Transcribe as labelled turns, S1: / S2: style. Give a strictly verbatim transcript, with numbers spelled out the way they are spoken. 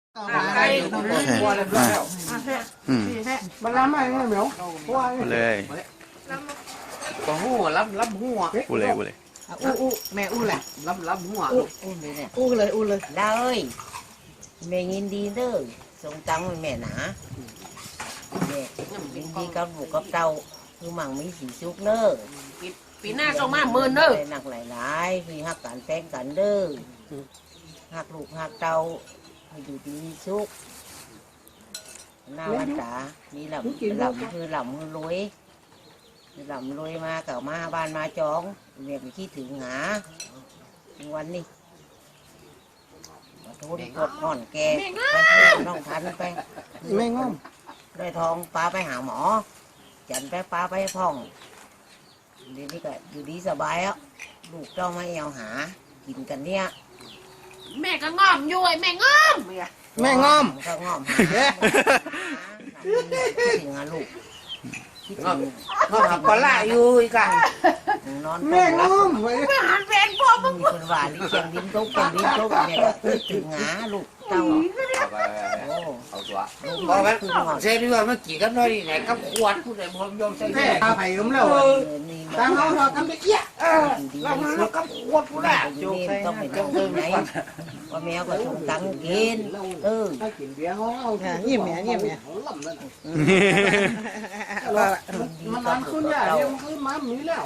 S1: โอเคอ่ะอืม
S2: มันล้ำอะไรเนี่ยเหมียว
S1: พูดเลย
S3: ก็หัวล้ำล้ำหัว
S1: พูดเลยพูดเลย
S2: อู้อู้แม่อู้แหละ
S3: ล้ำล้ำหัว
S4: อุ้มเลยเนี่ย
S2: อู้เลยอู้เลย
S4: ดาเอ้ยแม่ยินดีเด้อส่งตังค์ให้แม่หนาแม่ยินดีกับบุกกับเต้าคือมั่งมีสีสุกเด้อ
S3: ปีหน้าส่งมาหมื่นเด้อ
S4: ได้หนักหลายๆคือฮักกันแต่งกันเด้อฮักลูกฮักเต้าให้อยู่ดีมีสุขหน้าวันตามีหลำหลำคือหลำคือรวยหลำรวยมาเก่ามาบ้านมาจองแม่ไปคิดถึงหาวันนี้ทุนกดห่อนแกไปเพื่อนน้องทันไป
S2: แม่ง้อม
S4: ได้ทองปลาไปหาหมอ จันไปปลาไปพ่องเดี๋ยวนี้ก็อยู่ดีสบายอ่ะลูกเจ้ามาเอวหา กินกันเนี่ย
S3: แม่ก็งอมอยู่ไอ้แม่งอม
S2: แม่ง้อม
S4: ก็งอมหาถึงหาลูกคิดถึง
S3: งอมก็ล่าอยู่อีกอ่ะ
S4: นอน
S2: แม่ง้อม
S3: ไม่หันเป็นพ่อมึง
S4: มีคนว่าลิเชียงดินตุ๊กเชียงดินตุ๊กเนี่ยก็คิดถึงหาลูกเต้าโอ้
S3: เอาตัว
S4: ลูก
S3: พอ
S4: มั
S3: กัน
S4: นคืองอน
S3: เซนี่ว่าเมื่อกี้กันน้อยไหนกับขวดผู้ใดบ่ยอมใส่
S2: แม่
S3: แม่
S2: ตาไผ่ผมแล้ว
S4: นี่
S2: ตา
S4: มา
S2: เขาเราทำไปเอี้ย
S3: เออเราเรากับขวดผู้ใด
S4: อยู่นี่ต้องไปต้องไปไหนว่าแมวก็ส่งตังค์กินเออ
S2: ถ้ากินเบียร์เขาเอายิ้มแม่ยิ้มแม่มันนานขึ้นอย่างเดียวมันคือมามีแล้ว